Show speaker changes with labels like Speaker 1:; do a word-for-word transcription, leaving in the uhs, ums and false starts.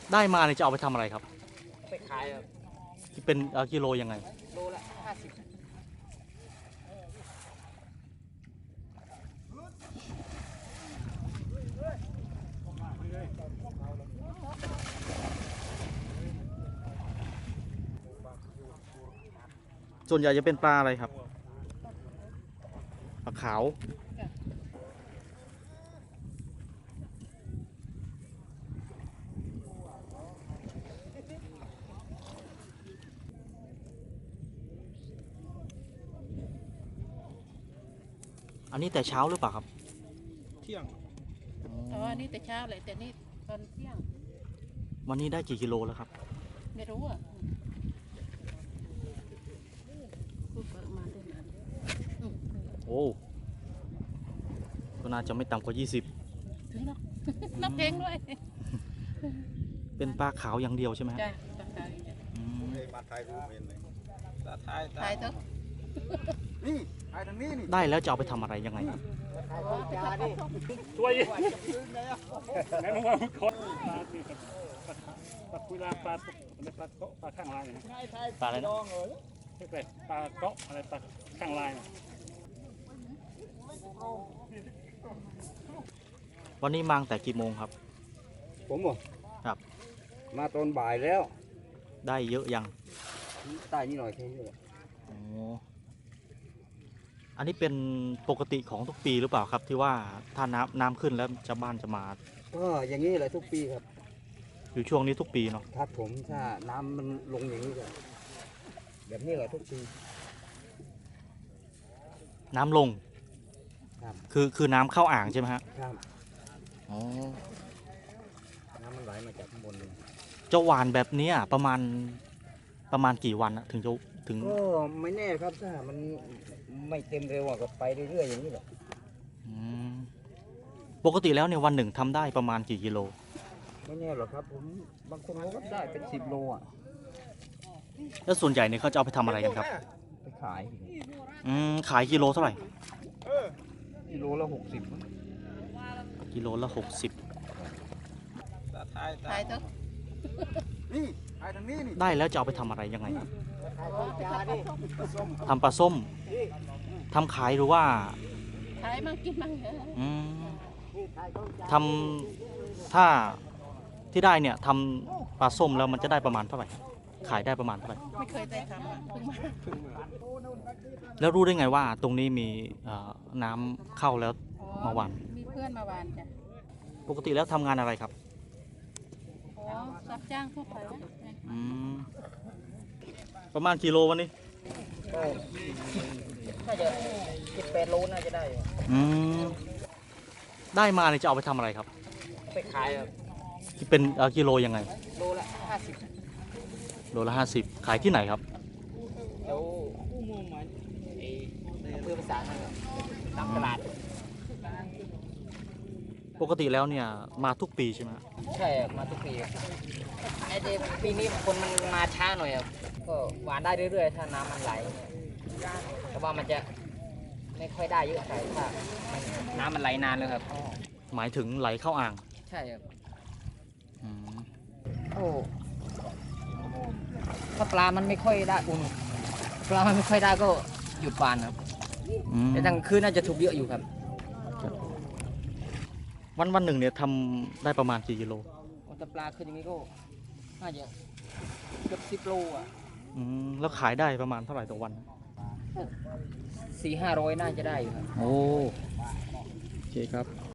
Speaker 1: ได้มาเนี่ยจะเอาไปทำอะไรครับ
Speaker 2: ไปขายครับ
Speaker 1: เป็นกิโลยังไง
Speaker 2: โลละห้าสิบ
Speaker 1: ส่วนใหญ่จะเป็นปลาอะไรครับปลาขาวอันนี้แต่เช้าหรือเปล่าครับ
Speaker 3: เที่ยง
Speaker 4: อ๋อนี่แต่เช้าเลยแต่นี่ตอนเที่ยง
Speaker 1: วันนี้ได้กี่กิโลแล้วครับ
Speaker 4: ไม่รู้อ่ะพูดประมาณได้นาน
Speaker 1: โอ้ก็น่าจะไม่ต่ำกว่ายี่สิบ
Speaker 4: ถึงแล้วนับเพลงด้วย
Speaker 1: เป็นปลาขาวอย่างเดียวใช่ไหม
Speaker 4: ใช่ปลาขาวอย่างเดียว
Speaker 3: มาไทยรูปเมนเลยไทย
Speaker 4: ถ่ายเถอะ
Speaker 3: นี่ไทยทางนี้นี่
Speaker 1: ได้แล้วจะเอาไปทำอะไรยังไง
Speaker 5: ช่วยแม่ลงมาคนปลาคุยลาปลาปลาเกาะปลาข้างลายนะ
Speaker 1: ปลาอะไรนะ
Speaker 5: ปลาเกาะอะไรปลาข้างลาย
Speaker 1: วันนี้มาตั้งแต่กี่โมงครับ
Speaker 3: ผมอ่ะ
Speaker 1: ครับ
Speaker 3: มาตอนบ่ายแล้ว
Speaker 1: ได้เยอะยัง
Speaker 3: ได้นิดหน่อยแค่นี้แหละ
Speaker 1: อ๋ออันนี้เป็นปกติของทุกปีหรือเปล่าครับที่ว่าถ้าน้ำน้ำขึ้นแล้วชาวบ้านจะมา
Speaker 3: ก็อย่างนี้แหละทุกปีครับ
Speaker 1: อยู่ช่วงนี้ทุกปีเนาะ
Speaker 3: ครับผมถ้าน้ำมันลงอย่างนี้ก็แบบนี้แหละทุกปี
Speaker 1: น้ำลง
Speaker 3: ครับ
Speaker 1: คือคือน้ำเข้าอ่างใช่ไหมฮะ
Speaker 3: ครับ
Speaker 1: อ๋อ
Speaker 3: น้ำมันไหลมาจากข้างบนเลย
Speaker 1: จะหวานแบบนี้ประมาณประมาณกี่วันถึงจะถึง
Speaker 3: ก็ไม่แน่ครับถ้ามันไม่เต็มเร็วก็ไปเรื่อยๆอย่างนี้แหละ
Speaker 1: ปกติแล้วเนี่ยวันหนึ่งทำได้ประมาณกี่กิโล
Speaker 3: ไม่แน่หรอกครับผมบางคนเขาก็ได้เป็นสิบโลอ่ะ
Speaker 1: แล้วส่วนใหญ่เนี่ยเขาจะเอาไปทำอะไรกันครับ
Speaker 3: ไปขาย
Speaker 1: อืมขายกิโลเท่าไหร่
Speaker 3: กิโลละหกสิบ
Speaker 1: กิโลละหกสิบ
Speaker 4: ถ่ายเถอะ
Speaker 3: นี่ไอ้ทางนี้นี่
Speaker 1: ได้แล้วจะเอาไปทำอะไรยังไงทำปลาส้มทำขายหรือว่า
Speaker 4: ขายมั่งกินมั่ง
Speaker 1: อืมทำถ้าที่ได้เนี่ยทำปลาส้มแล้วมันจะได้ประมาณเท่าไหร่ขายได้ประมาณเท่าไหร่
Speaker 4: ไม่เคยได้ทำเพิ่งมา
Speaker 1: แล้วรู้ได้ไงว่าตรงนี้มีน้ำเข้าแล้วมาหวาน
Speaker 4: มีเพื่อนมาหวานจ้ะ
Speaker 1: ปกติแล้วทำงานอะไรครับ
Speaker 4: อ๋อรับจ้างทั่วไป
Speaker 1: อืมประมาณกิโลวันนี้
Speaker 2: ก็น่าจะสิบแปดโลน่าจะได้
Speaker 1: อืมได้มาเนี่ยจะเอาไปทำอะไรครับ
Speaker 2: ไปขายครับ
Speaker 1: เป็นกิโลยังไง
Speaker 2: โลละห้าสิบ
Speaker 1: โลละห้าสิบขายที่ไหนครับ
Speaker 2: เดี๋ยวอำเภอภาษาครับตามตลาด
Speaker 1: ปกติแล้วเนี่ยมาทุกปีใช่ไหม
Speaker 2: ใช่มาทุกปีไอ้เจปีนี้คนมันมาช้าหน่อยครับก็หวานได้เรื่อยๆถ้าน้ำมันไหลแต่ว่ามันจะไม่ค่อยได้เยอะใครถ้าน้ำมันไหลนานเลยครับ
Speaker 1: หมายถึงไหลเข้าอ่าง
Speaker 2: ใช่ครับ
Speaker 1: โอ้
Speaker 2: ถ้าปลามันไม่ค่อยได้อุ่นปลามันไม่ค่อยได้ก็หยุดหวานครับแต่ทั้งคืนน่าจะถูกเยอะอยู่ครับ
Speaker 1: วันวันหนึ่งเนี่ยทำได้ประมาณกี่กิโล
Speaker 2: ถ้าปลาขึ้นอย่างนี้ก็น่าจะเกือบสิบโลอ่ะ
Speaker 1: แล้วขายได้ประมาณเท่าไหร่ต่อวัน
Speaker 2: สี่ห้าร้อยน่าจะได้อยู่ครับ
Speaker 1: โอ้โอเคครับ